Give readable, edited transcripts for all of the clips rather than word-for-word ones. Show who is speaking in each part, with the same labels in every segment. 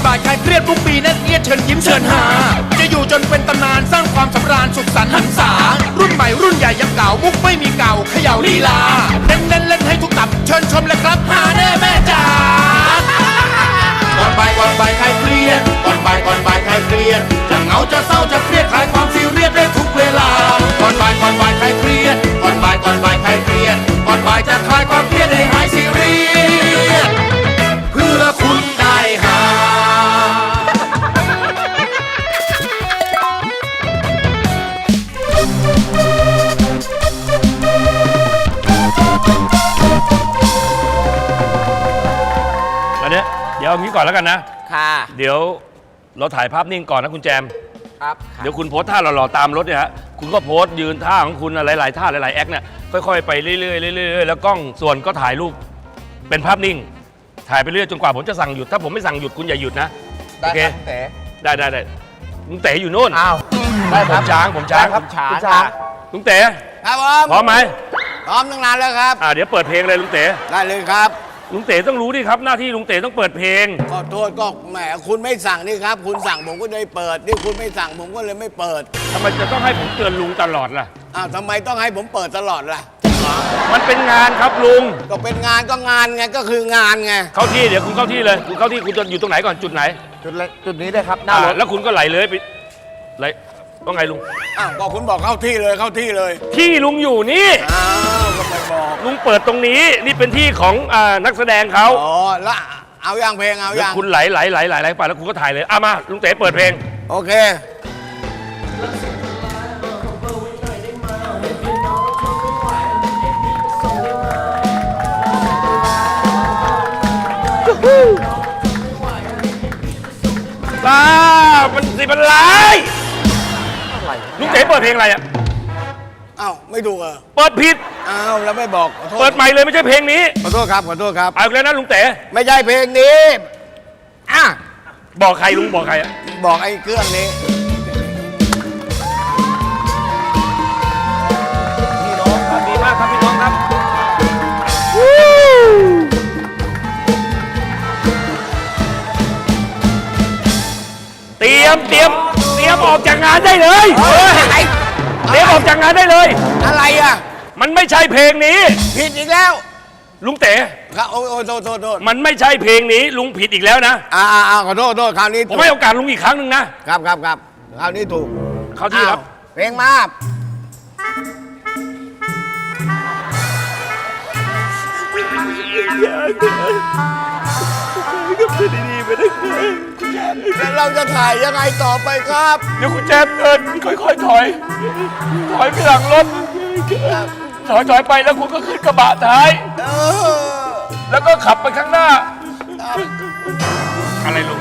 Speaker 1: บ่ายคลายเครียดทุกปีแน่นเอียดเชิญยิ้มเชิญหาจะอยู่จนเป็นตำนานสร้างความสำราญสุขสันต์หันษารุ่นใหม่รุ่นใหญ่ยังเก่ามุกไม่มีเก่าเขย่าลีลาเน้นเล่นให้ทุกตับเชิญชมเลยครับหาแน่แม่จ๋าก่อนบ่ายคลายเครียดก่อนบ่ายคลายเครียดจะเหงาจะเศร้าจะเครียดคลายความซีเรียสได้ทุกเวลาก่อนบ่ายคลายเครียดก่อนบ่ายคลายเครียดก่อนบ่ายจะคลายความเครียดให้หายซีเรียสเพื่อคุณได้หา
Speaker 2: วันนี้เดี๋ยวเอางี้ก่อนแล้วกันนะ
Speaker 3: ค่ะ
Speaker 2: เดี๋ยวเราถ่ายภาพนิ่งก่อนนะคุณแจม
Speaker 3: ครับ
Speaker 2: เดี๋ยวคุณโพสท่าหล่อๆตามรถเนี่ยฮะคุณก็โพสยืนท่าของคุณหลายๆท่าหลายๆแอคเนี่ยค่อยๆไปเรื่อยๆเรื่อยๆแล้วกล้องส่วนก็ถ่ายรูปเป็นภาพนิ่ง ถ่ายไปเรื่อยจนกว่าผมจะสั่งหยุดถ้าผมไม่สั่งหยุดคุณอย่าหยุดนะโอเคได้ลุงเต๋อยู่นู่น
Speaker 3: อ้าว
Speaker 2: ได้ผมช้าง
Speaker 3: ครับช้าง
Speaker 2: ลุงเต๋
Speaker 4: ครับผม
Speaker 2: พร้อมไหม
Speaker 4: พร้อมตั้งนานแล้วครับ
Speaker 2: เดี๋ยวเปิดเพลงเลยลุงเต๋
Speaker 4: ได้เลยครับ
Speaker 2: ลุงเต๋ต้องรู้ดิครับหน้าที่ลุงเต๋ต้องเปิดเพลง
Speaker 4: ขอโทษก็แหมคุณไม่สั่งนี่ครับ คุณสั่งผมก็เลยเปิดนี่คุณไม่สั่งผมก็เลยไม่เปิด
Speaker 2: ทำไมจะต้องให้ผมเตือนลุงตลอดล่ะ
Speaker 4: อ้าวทำไมต้องให้ผมเปิดตลอดล่ะ
Speaker 2: มันเป็นงานครับลุง
Speaker 4: ก็เป็นงานก็งานไงก็คืองานไง
Speaker 2: เข้าที่เดี๋ยวคุณเข้าที่เลยคุณเข้าที่คุณจะอยู่ตรงไหนก่อนจุดไหน
Speaker 3: จุดนี้ได้ครับหน้ารถ
Speaker 2: แล้วคุณก็ไหลเลยไปไหลว่าไงลุง
Speaker 4: อ้าวก็คุณบอกเข้าที่เลยเข้าที่เลย
Speaker 2: ที่ลุงอยู่นี่
Speaker 4: อ้าวก็ไม่บอก
Speaker 2: ลุงเปิดตรงนี้นี่เป็นที่ของนักแสดงเขา
Speaker 4: อ๋อแล้วเอาอย่างเพลงเอา
Speaker 2: แล้ว
Speaker 4: อย่าง
Speaker 2: คุณไหลไปแล้วคุณก็ถ่ายเลยมาลุงเต๋เปิดเพลง
Speaker 4: โอเค
Speaker 2: มันสิบอะไรลุงเต๋เปิดเพลงอะไรอ่ะ
Speaker 4: อ้าวไม่ถูกเหรอ
Speaker 2: เปิดผิด
Speaker 4: อ้าวแล้วไม่บอกขอโทษ
Speaker 2: เปิดใหม่เลยไม่ใช่เพลงนี้
Speaker 4: ขอโทษครับขอโทษครับ
Speaker 2: เอาอีกแล้วนะลุงเต๋
Speaker 4: ไม่ใช่เพลงนี้อ่ะ
Speaker 2: บอกใครลุงบอกใครอ่ะ
Speaker 4: บอกไอ้เครื่องนี้
Speaker 2: พี่น้องครับดีมากครับพี่น้องครับเตรียมออกจากงานได้เลยเตรียมออกจากงานได้เลย
Speaker 4: อะไรอ่ะ
Speaker 2: มันไม่ใช่เพลงนี้
Speaker 4: ผิดอีกแล้ว
Speaker 2: ลุงเต๋
Speaker 4: ครับโอ้ยโทษ
Speaker 2: มันไม่ใช่เพลงนี้ลุงผิดอีกแล้วนะ
Speaker 4: ขอโทษคราวนี้
Speaker 2: ผมให้โอกาสลุงอีกครั้งหนึ่งนะครับ
Speaker 4: คราวนี้ถูก
Speaker 2: เข้าที่ครับ
Speaker 4: อ้าวเพลงมาแล้วเราจะถ่ายยังไงต่อไปครับ
Speaker 2: เดี๋ยวคุณแจมเดินค่อยๆถอยไปหลังรถถอยไปแล้วคุณก็ขึ้นกระบะท้าย
Speaker 4: เออ
Speaker 2: แล้วก็ขับไปข้างหน้า อะไรลุง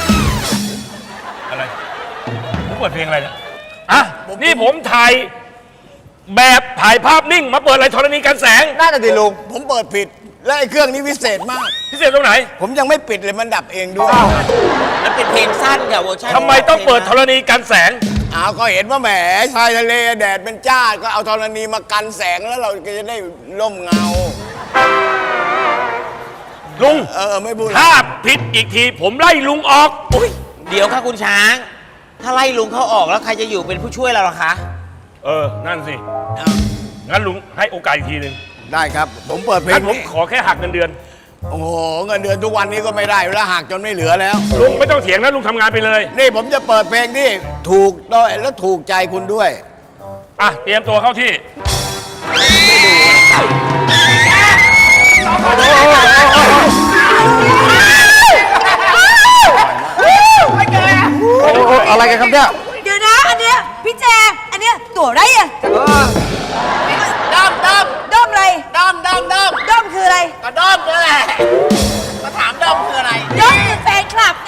Speaker 2: อะไรผมเปิดเพลงอะไรเนี่ยนี่ผมถ่ายแบบถ่ายภาพนิ่งมาเปิดอะไรธรณีกันแสง
Speaker 4: น่าจะดีลุงผมเปิดผิด และไอ้เครื่องนี้วิเศษมาก
Speaker 2: พิเศษตรงไหน
Speaker 4: ผมยังไม่ปิดเลยมันดับเองด้วย
Speaker 3: มันเป็นเพลงสั้นค่ะเวอร์ชัน
Speaker 2: ทำไมต้องเปิดธรณีกันแสง
Speaker 4: อ้าวก็เห็นว่าแหมชายทะเลแดดเป็นจ้าก็เอาธรณีมากันแสงแล้วเราก็จะได้ร่มเงา
Speaker 2: ลุง
Speaker 4: ไม่พูด
Speaker 2: ถ้าผิดอีกทีผมไล่ลุงออก
Speaker 3: อุ๊ยเดี๋ยวค่ะคุณช้าง ถ้าไล่ลุงเขาออกแล้วใครจะอยู่เป็นผู้ช่วยเราล่ะคะ
Speaker 2: นั่นสิงั้นลุงให้โอกาสอีกทีหนึ่ง
Speaker 4: ได้ครับ ผมเปิดเพล
Speaker 2: งั้
Speaker 4: ง
Speaker 2: นผม
Speaker 4: นี้
Speaker 2: ขอแค่หักเงินเดือน
Speaker 4: โอ้โหเงินเดือนทุกวันนี้ก็ไม่ได้แล้วหักจนไม่เหลือแล้ว
Speaker 2: ลุงไม่ต้องเถียงนะลุงทำงานไปเลย
Speaker 4: นี่ผมจะเปิดเพลงที่ถูกด้วยและถูกใจคุณด้วย
Speaker 2: เตรียมตัวเข้าที่
Speaker 4: อะไรกันครับเนี่ย
Speaker 5: เดี๋ยวนะอันเนี้ยพี่แจงอันเนี้ยตัวอะไรอะด้อมอะไรด้อมคืออะไร
Speaker 4: กระด้อมนี่แหละมาถามด้อมคืออะไร
Speaker 5: ด้อมคือแฟนคลับไง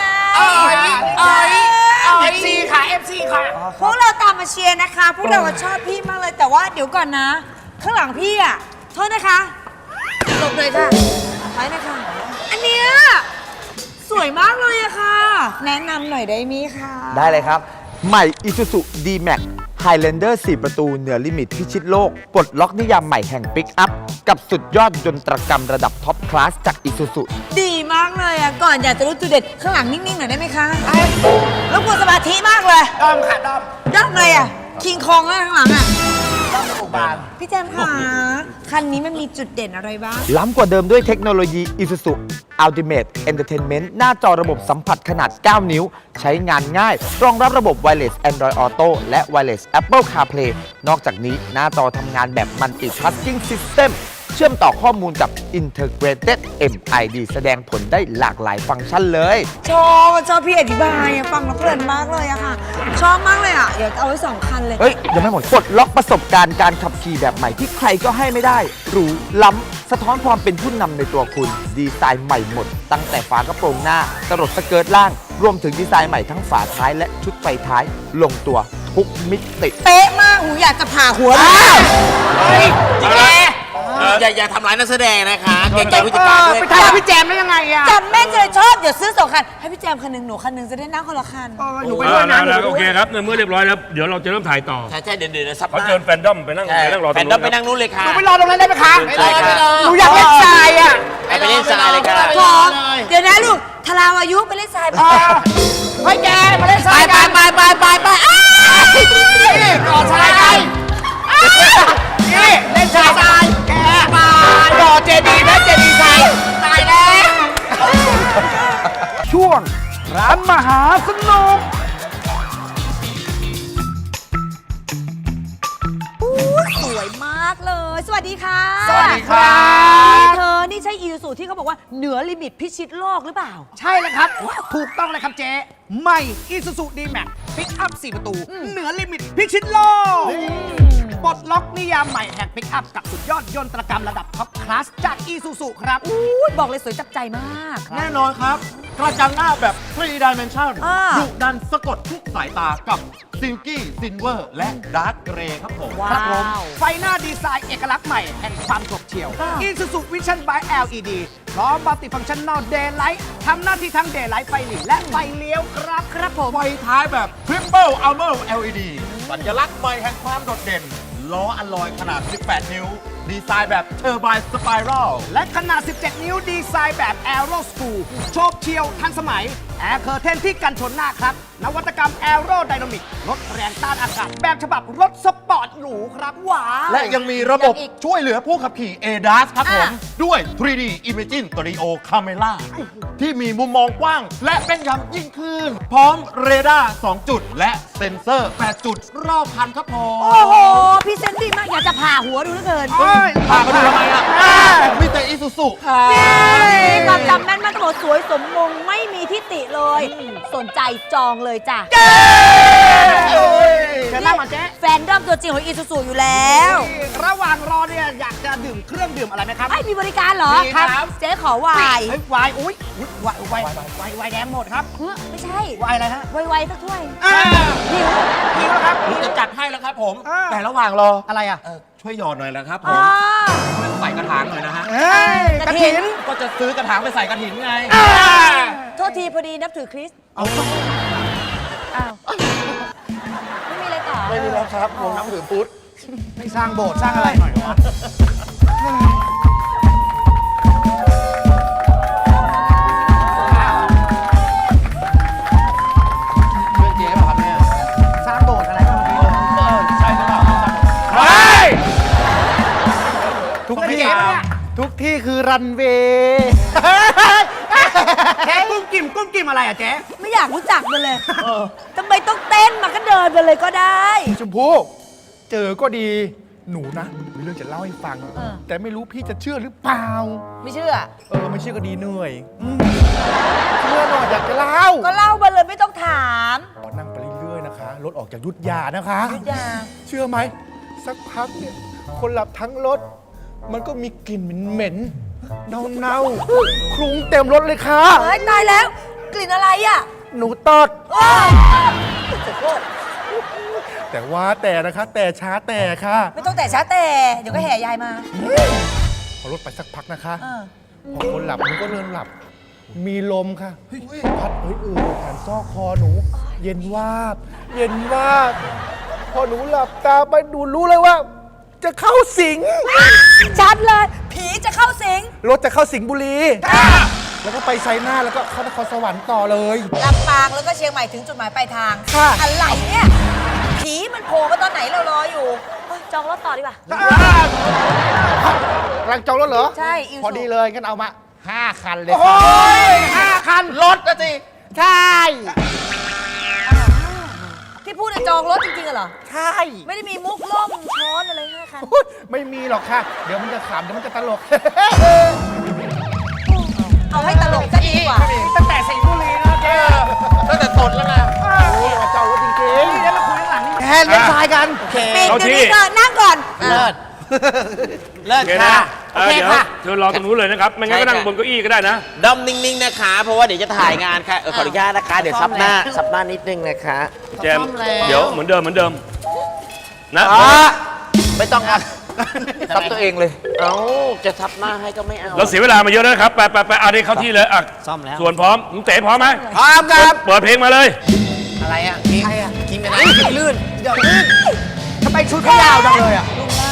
Speaker 4: FC ค่ะ FC ค่ะ
Speaker 5: พวกเราตามมาเชียร์นะคะ พวกเราชอบพี่มากเลยแต่ว่าเดี๋ยวก่อนนะ ข้างหลังพี่อะโทษนะคะหลบเลยค่ะถอยนะคะอันเนี้ยสวยมากเลยอะค่ะ แนะนำหน่อยได้ไหมคะ
Speaker 6: ได้เลยครับ ใหม่ Isuzu D-Max Highlander 4 ประตูเหนือลิมิตพิชิตโลกปลดล็อกนิยามใหม่แห่งปิกอัพกับสุดยอดยนตรกรรมระดับท็อปคลาสจาก Isuzu
Speaker 5: ดีมากเลยอ่ะ ก่อนอยากจะรู้จุดเด่นข้างหลังนิ่งๆหน่อยได้ไหมคะรบกวนสมาธิมากเลย
Speaker 3: ด้อมค่ะด้อม
Speaker 5: ด้อมอะไรอ่ะ คิงคองแล้วข้างหลังอ่ะ
Speaker 3: ด้อมอุบาล
Speaker 5: พี่แจมค่ะคันนี้มันมีจุดเด่นอะไรบ้าง
Speaker 6: ล้ำกว่าเดิมด้วยเทคโนโลยี Isuzu Ultimate Entertainment หน้าจอระบบสัมผัสขนาด 9 นิ้ว ใช้งานง่าย รองรับระบบ Wireless Android Auto และ Wireless Apple CarPlay นอกจากนี้หน้าจอทำงานแบบ Multitasking System เชื่อมต่อข้อมูลกับ Integrated MID แสดงผลได้หลากหลายฟังก์ชันเลย
Speaker 5: ชอบพี่อธิบายอะฟังแล้วเพลินมากเลยอะค่ะ ชอบมากเลยอะเดี๋ยวเอาไว้2 คันเลย
Speaker 6: เฮ้ย ยังไม่หมดปลดล็อกประสบการณ์การขับขี่แบบใหม่ที่ใครก็ให้ไม่ได้หรูล้ำสะท้อนความเป็นผู้นำในตัวคุณ ดีไซน์ใหม่หมด ตั้งแต่ฝากระโปรงหน้าตลดสเกิร์ตล่าง รวมถึงดีไซน์ใหม่ทั้งฝาท้ายและชุดไฟท้าย ลงตัวทุกมิติ
Speaker 5: เป๊ะมากหูอยากจะผ่าหัวเลย
Speaker 3: จิแกอย่าทำร้ายนักแสดงนะคะเกรงใจผู้จัดการด้วย
Speaker 5: ไปทำพี่แจมได้ยังไงอะจำแม่นจะเลยชอบเดี๋ยวซื้อ2 คัน ให้พี่แจมคันหนึ่งหนูคันหนึ่งจะได้นั่งคนละคัน
Speaker 2: หนูไปด้วยนะโอเคครับในเมื่อเรียบร้อยแล้วเดี๋ยวเราจะเริ่มถ่ายต่อ
Speaker 3: ใช่เดี๋ยวซับ
Speaker 2: เขาเชิญแฟนดอมไปนั่งรอต
Speaker 3: แฟ
Speaker 2: รง
Speaker 3: นด้อ
Speaker 2: นู้
Speaker 3: มไป
Speaker 2: น
Speaker 3: นั่งนู้นเลยค่ะ
Speaker 5: ไปรอตรงนั้นได้ไหมคะ
Speaker 3: ได้ค่ะ
Speaker 5: หนูอยากเล่นทรายอะ
Speaker 3: ไปเล่นทรายเลยค่ะ
Speaker 5: ขอเดี๋ยวนะลูกทาราวายุไปเล่นทรายไปเฮ้ยแกมาเล่นท
Speaker 3: ไป
Speaker 5: ราย
Speaker 3: ไป
Speaker 5: กัน
Speaker 3: ไปก่อทรายไปนี่เล่นทรายแกมาก่อเจดีย์นะเจดีย์ทรายตายแล้ว
Speaker 6: ช่วงร้านมหาสนุก
Speaker 5: สวยมากเลย สวัสดีค่ะ
Speaker 7: สวัสดีครับ
Speaker 5: เธอนี่ใช่อีซูที่เขาบอกว่าเหนือลิมิตพิชิตโลกหรือเปล่า
Speaker 7: ใช่เลยครับ ถูกต้องเลยครับเจ๊ใหม่ Isuzu D-Max ปิกอัพ 4 ประตู เหนือลิมิตพิชิตโลกปลดล็อกนิยามใหม่แห่งปิกอัพกับสุดยอดยนตรกรรมระดับท็อปคลาสจาก Isuzu ครับ
Speaker 5: อุ๊ยบอกเลยสวยจับใจมาก
Speaker 8: แน่นอนครับ กระจังหน้าแบบ 3 dimension
Speaker 5: อ่า
Speaker 8: ดุดันสะกดทุกสายตากับ Silky Silver และ Dark Grey ครับผม
Speaker 5: ว้า
Speaker 7: ครับผม
Speaker 5: ว
Speaker 7: ไฟหน้าดีไซน์เอกลักษณ์ใหม่แห่งความฉบเฉี่ยว Isuzu Vision by LED พร้อม Multifunctional Daylight ทำหน้าที่ทั้ง Daylight ไฟหลีและไฟเลี้ยวครับ
Speaker 5: ครับผม
Speaker 8: ไฟท้ายแบบ Triple Armor LED สัญลักษณ์ใหม่แห่งความโดดเด่น ล้ออลลอยขนาด 18 นิ้ว ดีไซน์แบบ Turbine Spiral
Speaker 7: และขนาด 17 นิ้วดีไซน์แบบ Aero School โฉบเฉี่ยวทันสมัย แอร์เคอร์เทนที่กันชนหน้าครับ นวัตกรรม Aero Dynamic ลดแรงต้านอากาศแบบฉบับรถสปอร์ตหรูครับ ว้าว
Speaker 8: และยังมีระบบช่วยเหลือผู้ขับขี่ ADAS ครับผม
Speaker 5: อ่ะ
Speaker 8: ด้วย 3D Imaging Stereo Camera ที่มีมุมมองกว้าง และแม่นยำยิ่งขึ้น พร้อมเรดาร์ 2 จุด และเซ็นเซอร์ 8 จุด รอบคันครับผม
Speaker 5: โอ้โหพรี่เซนต์ดีมาก อยากจะผ่าหัวดูเหลือเกิน
Speaker 8: พาไปดูทำไมอ่ะมีแต่อีซูซู
Speaker 5: นี่ความจำแม่นมากตำรวจสวยสมมงไม่มีที่ติเลย สนใจจองเลยจ้ะ
Speaker 7: เชิญนั่งมาเจ๊
Speaker 5: แฟนดอมตัวจริงของอีซูซูอยู่แล้ว
Speaker 7: ระหว่างรอเนี่ยอยากจะดื่มเครื่องดื่มอะไรไหมครับ
Speaker 5: ไอ้ยมีบริการเหรอ
Speaker 7: มีครับ
Speaker 5: เจ๊ขอไวน์
Speaker 7: เฮ้ยไวน์อุ้ยไวน์แดงหมดครับ
Speaker 5: เฮ้ยไม่ใช่
Speaker 7: ไวน์อะไรฮะ
Speaker 5: ไวๆสักถ้วย
Speaker 7: หิวแล้วครับ
Speaker 8: ผมจะจัดให้แล้วครับผม
Speaker 7: อ่า
Speaker 8: แต่ระหว่างรอ
Speaker 7: อะไรอ่ะ
Speaker 8: ช่วยหยอดหน่อยนะครับผ
Speaker 5: อ๋อ
Speaker 8: มช่วยใส่กระถางหน่อยนะฮะ
Speaker 7: เฮ้ยกระถิน
Speaker 8: ก็จะซื้อกระถางไปใส่กระถินไง
Speaker 5: โทษทีพอดีนับถือคริสต์
Speaker 8: เอา
Speaker 5: อ้าว ไม่มีอะไรต่อ
Speaker 8: ไม่มีแล้วครับผมน้ำถือพุทธ
Speaker 7: ไม่สร้างโบสถ์สร้างอะไรหน่อยวะ
Speaker 8: เพื่อนเจ๊ป่ะครับเนี่ย
Speaker 7: สร้างโบสถ์อะไรบ้างเมื่อกี้
Speaker 8: ใช่หรือเปล่า
Speaker 7: ทุกที่ทุกที่คือรันเวย์แค่กุ้มกิ่มอะไรอ่ะเจ๊
Speaker 5: ไม่อยากรู้จักมันเลยทำไมต้องเต้นมาก็เดินไปเลยก็ได้
Speaker 9: ชมพู่เจอก็ดีหนูนะมีเรื่องจะเล่าให้ฟัง
Speaker 5: เออ
Speaker 9: แต่ไม่รู้พี่จะเชื่อหรือเปล่า
Speaker 5: ไม่เชื่อ
Speaker 9: ไม่เชื่อก็ดีเหนื่อยเชื่อหน่อยอยากจะเล่า
Speaker 5: ก็เล่ามาเลยไม่ต้องถาม
Speaker 9: ขอนั่งไปเรื่อยๆนะคะรถออกจากยุทธยานะคะ
Speaker 5: ยุทธยา
Speaker 9: เชื่อไหมสักพักเนี่ยคนหลับทั้งรถ มันก็มีกลิ่นเหม็นๆเน่าๆคลุ้งเต็มรถเลยค่ะ
Speaker 5: เฮ้ยตายแล้ว กลิ่นอะไรอ่ะ
Speaker 9: หนูตด
Speaker 5: โอ้ย
Speaker 9: แต่ว่าแต่นะคะ แต่ช้าแต่ค่ะ
Speaker 5: ไม่ต้องแต่ช้าแต่ เดี๋ยวก็แห่ยายมา
Speaker 9: พอรถไปสักพักนะคะ
Speaker 5: เออ
Speaker 9: พอคนหลับหนูก็เริ่มหลับ มีลมค่ะพัดผ่านซอกคอหนู เย็นวาบ เย็นวาบพอหนูหลับตาไปหนูรู้เลยว่า จะเข้าสิง
Speaker 5: ชัดเลย ผีจะเข้าสิง
Speaker 9: รถจะเข้าสิงห์บุรี แล้วก็ไปไซน่าแล้วก็เข้านครสวรรค์ต่อเลย
Speaker 5: ลำปางแล้วก็เชียงใหม่ถึงจุดหมายปลายทาง
Speaker 9: ค่ะ
Speaker 5: อะไรเนี่ย ผีมันโผล่มาตอนไหนเรารออยู่เฮ้ยจองรถต่อดีกว่า
Speaker 9: กำลังจองรถเหรอ
Speaker 5: ใช่อิว
Speaker 9: พอดีเลยงั้นเอามา 5 คันเลย
Speaker 7: โอ้ย5 คัน รถนะสิ ใช่
Speaker 5: ที่พูดจะจองรถจริงๆเหรอ
Speaker 9: ใช่
Speaker 5: ไม่ได้มีมุกล่มช้อนอะไรห้าคัน
Speaker 9: อุ๊ยไม่มีหรอกค่ะ เดี๋ยวมันจะขำเดี๋ยวมันจะตลก
Speaker 5: เอาให้ตลกก็ดีกว่า
Speaker 7: ตั้งแต่สิงห์บุรีนะเจ๊ตั้งแต่ตดแล้วนะ
Speaker 9: เจ้ารถจริง
Speaker 7: นี่แล้วเราคุยข้างหลังนี่
Speaker 9: ๆแทนเล่นทรายกัน
Speaker 5: ปิด
Speaker 2: เอา
Speaker 5: เดี๋ยว
Speaker 2: ที่
Speaker 5: นี้ก่อนนั่งก่อน
Speaker 7: เลิศ เลิศ
Speaker 2: โอเค
Speaker 7: ค่ะ
Speaker 2: นะ
Speaker 7: โอเค
Speaker 2: เดี๋ยว
Speaker 7: ค่ะ
Speaker 2: เชิญรอตรงนู้นเลยนะครับ ไม่งั้นก็นั่งบนเก้าอี้ก็ได้นะ
Speaker 3: ด้อมนิ่งๆนะคะ เพราะว่าเดี๋ยวจะถ่ายงานค่ะขออนุญาตนะคะ เดี๋ยวซับหน้านิดนึงนะคะ
Speaker 2: แจมเดี๋ยวเหมือนเดิมนะ
Speaker 3: ไม่ต้องอ่ะ
Speaker 6: ซับตัวเองเลย
Speaker 3: เอ้าจะซับหน้าให้ก็ไม่เอา
Speaker 2: เราเสียเวลามาเยอะแล้วนะครับ ไปอันนี้เข้าที่เลยอ่ะ
Speaker 3: ซ่อมแล้ว
Speaker 2: ส่วนพร้อมลุงเต๋พร้อมไหม
Speaker 4: พร้อมครับ
Speaker 2: เปิดเพลงมาเลย
Speaker 3: อะไรอ่ะคิงคิงเป็นอะไรลื่น
Speaker 7: เดี๋ยวลื่นทำไมชุดเขายาวจังเลยอ่ะ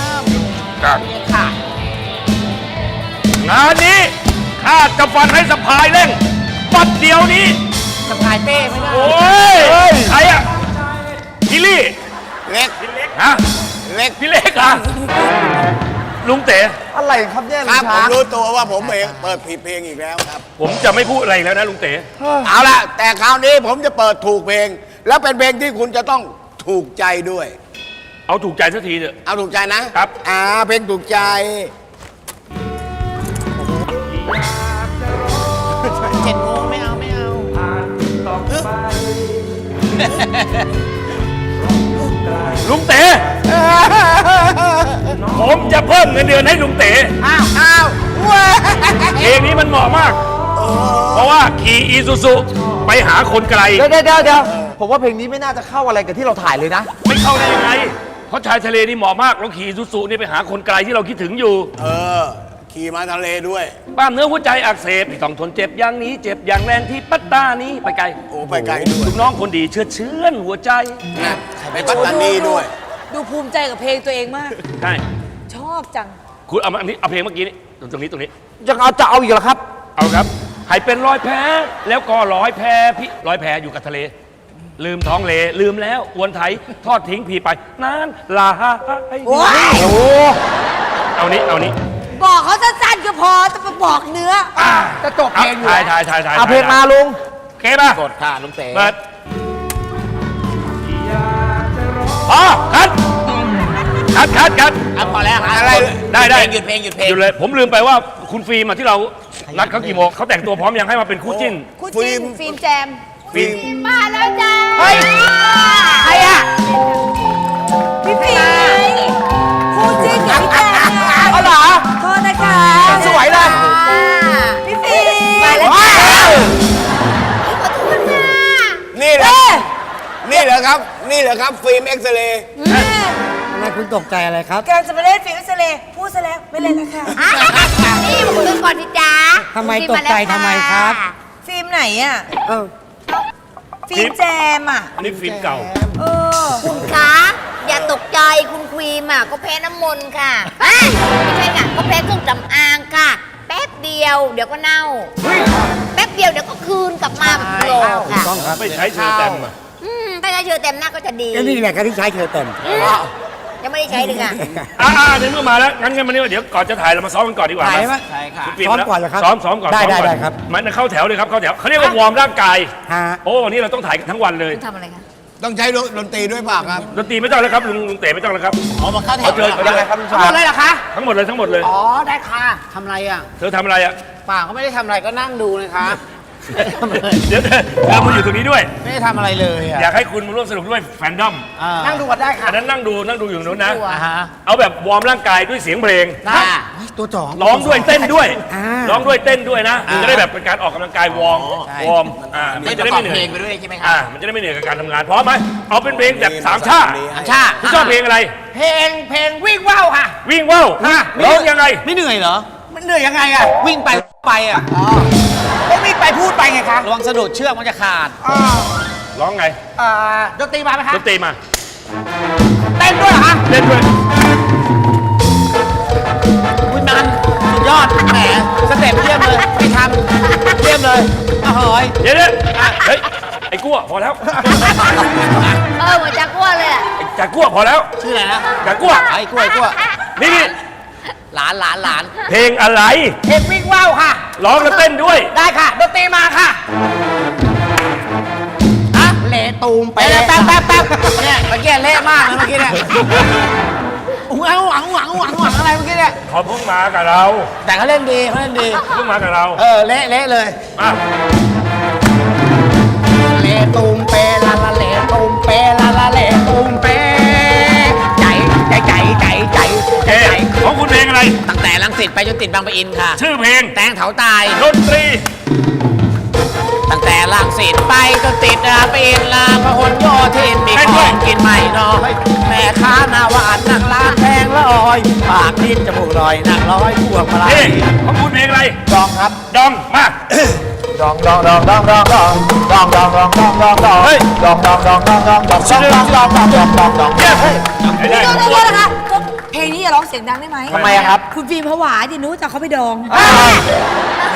Speaker 2: งานนี้ข้าจะฟันให้สะพายเร่งปัดเดียวนี้
Speaker 3: สะพายเป้ไม่ได้
Speaker 2: โอ้ยใครอ่ะพี่ลี่
Speaker 4: เล็ก
Speaker 2: ฮะ
Speaker 4: เล็ก
Speaker 2: พี่เล็กอ่ะลุงเต๋
Speaker 6: อะไรครับเนี่ย
Speaker 4: ค
Speaker 6: ลุ
Speaker 4: รับ
Speaker 6: ง
Speaker 4: ผ
Speaker 6: ช้าม ง
Speaker 4: รู้ตัวว่าผมเองเปิดผิดเพลงอีกแล้วครับ
Speaker 2: ผมจะไม่พูดอะไรอีกแล้วนะลุงเต๋
Speaker 4: เอาละแต่คราวนี้ผมจะเปิดถูกเพลง แล้วเป็นเพลงที่คุณจะต้องถูกใจด้วย
Speaker 2: เอาถูกใจสักทีเถอะ
Speaker 4: เอาถูกใจนะครับ เพลงถูกใจ
Speaker 3: 7 โมงไม่เอาไม่เอา
Speaker 2: ลุงเต๋ ผมจะเพิ่มเงินเดือนให้ลุงเต๋
Speaker 4: อ้าวเว้ย
Speaker 2: เพลงนี้มันเหมาะมาก เพราะว่าขี่อีซูซูไปหาคนไกล
Speaker 6: เดี๋ยวผมว่าเพลงนี้ไม่น่าจะเข้าอะไรกับที่เราถ่ายเลยนะ
Speaker 2: ไม่เข้าได้ยังไง เพราะชายทะเลนี่เหมาะมากเราขี่อีซูซูนี่ไปหาคนไกลที่เราคิดถึงอยู่
Speaker 4: ขี่มาทะเลด้วย
Speaker 2: บ้านเนื้อหัวใจอักเสบต้องทนเจ็บอย่างนี้ เจ็บอย่างแรงที่ปัตตานีไปไกล
Speaker 4: โอ้ไปไกลด้วย
Speaker 2: ลูกน้องคนดีเชื่อนหัวใจ
Speaker 4: นะไปปัตตานีด้วย
Speaker 5: ดูภูมิใจกับเพลงตัวเองมาก
Speaker 2: ใช่
Speaker 5: ชอบจัง
Speaker 2: คุณเอามาอันนี้เอาเพลงเมื่อกี้นี่ตรงนี้
Speaker 6: จะเอาอีกเหรอครับ
Speaker 2: เอาครับ ให้เป็นรอยแผลแล้วก็รอยแผลพี่รอยแผลอยู่กับทะเล ลืมท้องเลลืมแล้วอวนไถทอดทิ้งพี่ไปนานลา
Speaker 5: โอ้ย
Speaker 2: เอานี้
Speaker 5: บอกเขาสั้นๆก็พอจะมาบอกเนื้อ
Speaker 7: จะจบเพลงอยู่
Speaker 2: ถ่าย
Speaker 6: เอาเพลงมาลุง
Speaker 2: โอเคป่ะ
Speaker 3: กดค่ะลุงเต๋
Speaker 2: เปิดอ๋อคัด
Speaker 3: เอาพอแล้ว
Speaker 4: อะไร
Speaker 2: ได้
Speaker 3: หยุดเพลง
Speaker 2: หยุดเลย ผมลืมไปว่าคุณฟิล์มอะที่เรานัดเขากี่โมงเขาแต่งตัวพร้อมยังให้มาเป็นคู่จิ้น
Speaker 5: คู่จิ้นฟิล์มแจม
Speaker 2: ฟิล์ม
Speaker 5: มาแล้วจ้า
Speaker 7: เฮ้ย ใครอ่ะ
Speaker 5: พี่ฟิล์มคู่จิ้นกับพี่แจม
Speaker 6: เอาเหรอ
Speaker 5: โทษนะคะ
Speaker 6: สวยเลย
Speaker 5: พี่ฟิล์มมาแล้ว
Speaker 6: ว้าว
Speaker 4: นี่แหละนี่เหรอครับ นี่เหรอครับ ฟิล์มเอ็กซเรย์
Speaker 7: ทำไมคุณตกใจอะไรครับ
Speaker 5: การจะมาเล่นฟิล์มเอ็กซเรย์พูดซะแล้วไม่เล่นแล้วค่ะ
Speaker 10: นี่มาคุยกันก่อนสิจ๊ะ
Speaker 7: ทำไมตกใจทำไมครับ
Speaker 5: ฟิล์มไหนอ่ะ
Speaker 7: เออ
Speaker 5: ฟิล์มแจมอ่ะ
Speaker 2: อันนี้ฟิล์มเก่า
Speaker 5: เออ
Speaker 10: คุณคะอย่าตกใจคุณควีมอ่ะก็แพ้น้ำมนต์ค่ะเอ้ยไม่ใช่ค่ะก็แพ้เครื่องสำอางค่ะ แป๊บเดียวเดี๋ยวก็เน่า แป๊บเดียวเดี๋ยวก็คืนกลับมาแบบโลค่ะ
Speaker 2: ไม่ใช้เชอร์แตมอะ
Speaker 10: ถ้าใช้เชื้อเต็มหน้าก็จะดี
Speaker 7: นี่แหละครับที่ใช้เธอเต็ม
Speaker 10: ยังไม่ได้ใช้เลยค่ะ
Speaker 2: ในเมื่อมาแล้วงั้นมานี่เดี๋ยวก่อนจะถ่ายเรามาซ้อมกันก่อนดีกว่า
Speaker 7: ถ่ายไหม
Speaker 3: ใช่ค่ะ
Speaker 2: คุณฟิล์
Speaker 7: ซ้อมก่อนเหรอครับ
Speaker 2: ซ้อมก่อน
Speaker 7: ได้
Speaker 2: ซ้อมก่อน
Speaker 7: ได้ครับ
Speaker 2: มันเข้าแถวเลยครับเข้าแถวเขาเรียกว่าวอร์มร่างกาย
Speaker 7: ฮะ
Speaker 2: โอ้วันนี้เราต้องถ่ายกันทั้งวันเลย
Speaker 10: ทำอะไรคะ
Speaker 4: ต้องใช้ดนตรีด้วยเปล่าครับ
Speaker 2: ดนตรีไม่ต้องแล้วครับลุงเต๋ไม่ต้องแล้วครับ
Speaker 3: อ๋อมาเข้าแถ
Speaker 2: เอา
Speaker 3: ว
Speaker 2: เชิญไป
Speaker 6: ยัง
Speaker 2: เล
Speaker 6: ไง
Speaker 2: ย
Speaker 6: ครับลุง
Speaker 7: ทั้ง
Speaker 6: ช้า
Speaker 7: หม
Speaker 6: ง
Speaker 7: ดเลยเหรอคะ
Speaker 2: ทั้งหมดเลย
Speaker 7: อ๋อ ได้ค่ะทำอะไรอ่ะ
Speaker 2: เธอทำอะไรอ่ะ
Speaker 3: เปล่าก็ไม่ได้ทำอะไรก็นั่งดูเลยค่ะ
Speaker 2: เดี๋ยวเธอมาอยู่ตรงนี้ด้วย
Speaker 3: ไม่ได้ทำอะไรเลยอ่ะ
Speaker 2: อยากให้คุณมาร่วมสนุกด้วยแฟนดอม
Speaker 7: นั่งดูกันได้ค่ะ
Speaker 2: อันนั้นนั่งดูอยู่ตรงนู้นนะ
Speaker 3: อ่าฮะ
Speaker 2: เอาแบบวอร์มร่างกายด้วยเสียงเพลง
Speaker 3: ค่ะ
Speaker 7: ตัวจ่อ
Speaker 2: ร้องด้วยเต้นด้วย
Speaker 7: อ่า
Speaker 2: ร้องด้วยเต้นด้วยนะมันจะได้แบบเป็นการออกกำลังกายวอร์ม
Speaker 3: ใช่
Speaker 2: วอร์มมั
Speaker 3: ไม่
Speaker 2: น
Speaker 3: จะ
Speaker 2: จะได้
Speaker 3: ฟั
Speaker 2: ไม่
Speaker 3: ง
Speaker 2: เหนื่
Speaker 3: เพล
Speaker 2: อย
Speaker 3: งไปด้วยใช่ไหมคะ
Speaker 2: มันจะได้ไม่เหนื่อยกับการทำงานพร้อมไหมเอาเป็นเพลงแบบสามชาติ
Speaker 3: อันชา
Speaker 2: คุณชอบเพลงอะไร
Speaker 7: เพลงวิ่งว่าวค่ะ
Speaker 2: วิ่งว่าว
Speaker 7: ฮะ
Speaker 2: ร้องยังไง
Speaker 3: ไม่เหนื่อยเหรอ
Speaker 7: มันเหนื่อยยังไงอ่ะ
Speaker 3: วิ่งไปอ่ะ
Speaker 7: ไม่วิ่งไปพูดไปไงคะ
Speaker 3: ระวังสะดุดเชือกมันจะขาด
Speaker 2: ร้องไง
Speaker 7: ดนตรีมาไหมคะ
Speaker 2: ดนตรีมา
Speaker 3: ต้นด้วยเหรอฮะ
Speaker 2: เล่นด้วย
Speaker 3: คุณมันสุดยอดแหมสเต็ปเยี่ยมเลยไม่ทำเยี่ยมเลยโอ้โหย
Speaker 2: เดี๋ยวเฮ้ย ไอ้กั้วพอแล้ว
Speaker 10: เหมือนจะกลัวเลยอะ
Speaker 2: ไอ้จากกั้วพอแล้ว
Speaker 3: ชื่ออะไรนะ
Speaker 2: จากกั้ว
Speaker 3: ไอ้กล้วยกล้วย
Speaker 2: นี่
Speaker 3: หลาน
Speaker 2: เพลงอะไร
Speaker 3: เพลงวิ่งว่าวค่ะ
Speaker 2: ร้องแล้วเต้นด้วย
Speaker 3: ได้ค่ะดนตรีมาค่ะฮะเละตูมไปแป๊บเนี่ยเมื่อกี้เละมากเลยเมื่อกี้เนี่ยหวังอะไรเมื่อกี้เนี่ย
Speaker 2: เขาเพิ่งมากับเรา
Speaker 3: แต่เขาเล่นดี
Speaker 2: เพิ่งมากับเรา
Speaker 3: เละเลย
Speaker 2: อ่ะ
Speaker 3: เละตูมเปลาเละตูมเปลาเละตูมเปใจ
Speaker 2: เอ๊ะของคุณเพลงอะไร
Speaker 3: ตั้งแต่รังสิตไปจนติดบางปะอินค่ะ
Speaker 2: ชื่อเพลง
Speaker 3: แตงเถาตาย
Speaker 2: ดนตรี
Speaker 3: ตั้งแต่รังสิตไปจนติดบางปะอินลาพหลโยธินมีของกินใหม่น้อยแม่ค้าหน้าหวานนั่งร้านแพงละออยปากนิดจมูกลอยนั่งร้อยพวงมาลั
Speaker 2: เอ๊ะ
Speaker 3: ย
Speaker 2: ของคุณเพลงอะไร
Speaker 3: ดองครับ
Speaker 2: ดอง มา
Speaker 6: ดองเฮ้ยดอง
Speaker 2: เย้ ได้
Speaker 5: โทษนะคะเพลงนี้อย่าร้องเสียงดังได้ไหม
Speaker 3: ทำไมอะครับ
Speaker 5: คุณฟิล์มผวาดิหนูจะเขาไปดอง
Speaker 2: มา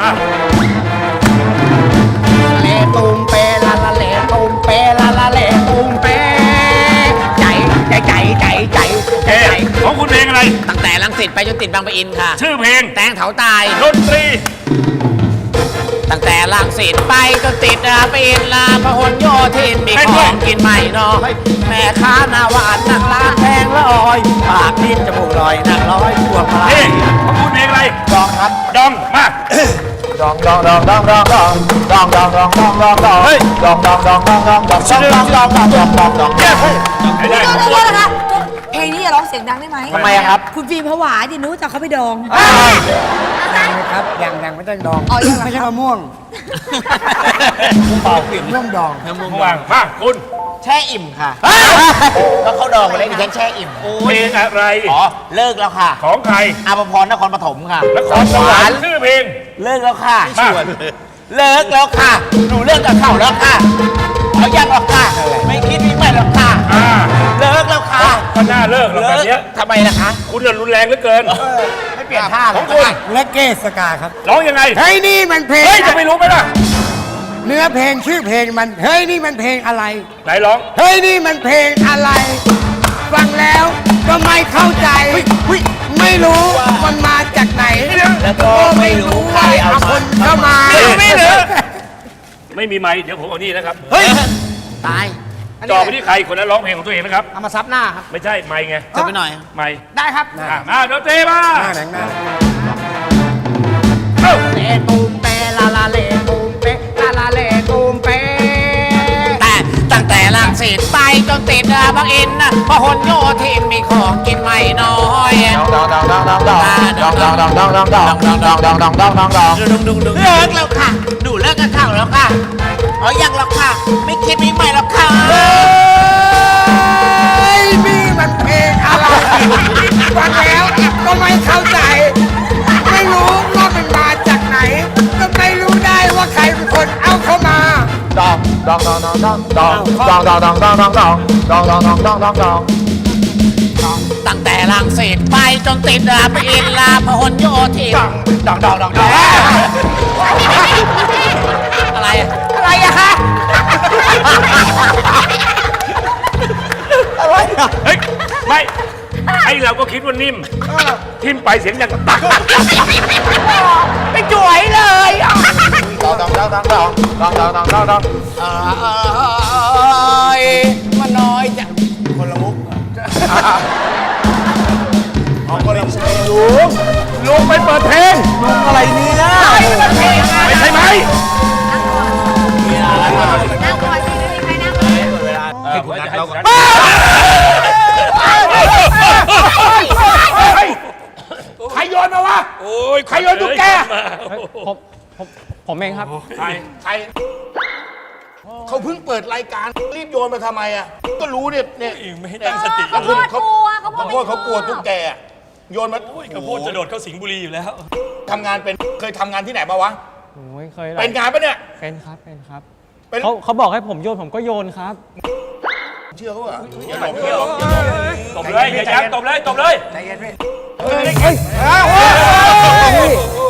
Speaker 3: เลตูมเปลาเลตูมเปลาเลตูมเปใจ
Speaker 2: เอ๊ะของคุณเพลงอะไร
Speaker 3: ตั้งแต่รังสิตไปจนติดบางปะอินค่ะ
Speaker 2: ชื่อเพลง
Speaker 3: แตงเถาตาย
Speaker 2: ดนตรี
Speaker 3: ตั้งแต่รังสิตไปจนติดบางปะอินลาพหลโยธินมีของกินใหม่น้อยแม่ค้าหน้าหวานนั่งร้านแพงละออยปากนิดจมูกลอยนั่งร้อยพวงมาลั
Speaker 2: เอ๊ะ
Speaker 3: ย
Speaker 2: ของคุณเพลงอะไร
Speaker 3: ดองครับ
Speaker 2: ดอง มา
Speaker 6: เฮ้ยดอง
Speaker 2: เย้ได้
Speaker 5: โทษนะคะเพลงนี้อย่าร้องเสียงดังได้ไหม
Speaker 3: ทำไมอะครับ
Speaker 5: คุณฟิล์มผวาดิหนูจะเขาไปดอง
Speaker 7: ครับยังไม่ต้องดอง
Speaker 5: อ๋อยังเหรอ
Speaker 7: ไม่ใช่มะม่วงเปล่าปิ่นม่วงดอง
Speaker 2: วางมาคุณ
Speaker 3: แช่อิ่มค่ะก็เขาดองมาเล่นดิฉันแช่อิ่ม
Speaker 2: เพลงอะไร
Speaker 3: อ๋อเลิกแล้วค่ะ
Speaker 2: ของใคร
Speaker 3: อาภพรนครปฐมค่ะ
Speaker 2: นครสวรรค์ชื่อเพลง
Speaker 3: เลิกแล้วค่ะ
Speaker 2: มา
Speaker 3: เลิกแล้วค่ะหนูเลิกกับเขาแล้วค่ะเอายังหรอกค่ะไม่คิดไม่หรอกค่ะ
Speaker 2: อ่า
Speaker 3: เลิกแล้วค่ะ
Speaker 2: ก็น่าเลิกแล้วแบบเนี้ย
Speaker 3: ทำไมล่ะคะ
Speaker 2: คุณน่ะรุนแรงเหลือเกิน
Speaker 3: ไม่เปลี่ยนท่า
Speaker 2: ของคุณ
Speaker 7: และเกสกาครับ
Speaker 2: ร้องยังไง
Speaker 7: เฮ้ยนี่มันเพลง
Speaker 2: เฮ้ย จะไม่รู้ไหมล่ะ
Speaker 7: เนื้อเพลงชื่อเพลงมันเฮ้ยนี่มันเพลงอะไร
Speaker 2: ไหนร้อง
Speaker 7: เฮ้ยนี่มันเพลงอะไร ฟังแล้วก็ไม่เข้าใจ ไม่รู้มันมาจากไหน
Speaker 3: แล้วก็ไม่รู้ใครเอา
Speaker 7: คนเข้ามา
Speaker 2: ไม่เหลือ ไม่มีไม้เดี๋ยวผมเอานี่นะครับ
Speaker 3: เฮ้ยตาย
Speaker 2: จ่อไปที่ใครคนนั้นร้องเพลงของตัวเองนะครับ
Speaker 7: เอามาซับหน้าครับ
Speaker 2: ไม่ใช่ไม้ไง
Speaker 3: จะไปหน่อย
Speaker 2: ไม้
Speaker 7: ได้ครับ
Speaker 2: มาดนตรีมา
Speaker 7: หน้าแหน
Speaker 2: เอ้า
Speaker 3: เลตูมเปลาเลตูมเปลาเลตูมเปแต่ตั้งแต่รังสิตไปจนติดบางอินพหลโยธินมีของกินไม่น้อยเลิกแล้วค่ะหนูเลิกกับเขาแล้วค่ะเอายังหรอกค่ะ ไม่คิดไม่ใหม่หรอกค่ะ
Speaker 7: เฮ้ยนี่มันเพลงอะไร ฟังแล้วก็ไม่เข้าใจ ไม่รู้ว่ามันมาจากไหน ก็ไม่รู้ได้ว่าใครเป็นคนเอาเข้ามา
Speaker 3: ตั้งแต่รังสิตไปจนติดบางอินลาพหลโยธินอะไรอะอะไรอะคะ
Speaker 2: เฮ้ย ไม่ ไอเราก็คิดว่านิ่ม ทิมไปเสียงอย่างกับตัก
Speaker 3: ไม่จ่วยเลยมันน้อยจัง
Speaker 4: คนละมุก
Speaker 2: ลุงไปเปิดเพลง
Speaker 6: อะไรเนี่ย
Speaker 2: ไม่ใช่ไหม
Speaker 10: นั่งก่อนสิไม่มีใครนั่งเลย
Speaker 2: ให้คุณนัดเราก่อนใครโยนมาวะ โอ้ย ใครโยนตุ๊กแก
Speaker 7: ผมเองครับ
Speaker 2: ใคร
Speaker 1: เขาเพิ่งเปิดรายการรีบโยนมาทำไมอ่ะ ก็รู้เนี่ยไม่ตั้งสติ
Speaker 10: เขาพูดกลัวเขาพูด
Speaker 1: เขากลัวตุ๊กแกอะโยนมา
Speaker 2: เขาพูดจะโดดเข้าสิงห์บุรีอยู่แล้ว
Speaker 1: ทำงานเป็นเคยทำงานที่ไหนมาวะ
Speaker 11: โอ้ยเคย
Speaker 1: เป็นงานปะเนี่ย
Speaker 11: เป็นครับ เป็นครับ
Speaker 1: เป็น
Speaker 11: เขาบอกให้ผมโยนผมก็โยนครับ
Speaker 8: เชื่อเขาเหรอ
Speaker 2: อย่าหลงอย่าหลงตบเลยอย่ายั้งตบเลยตบเลย
Speaker 7: ใจเย็นพี่
Speaker 9: เฮ้ย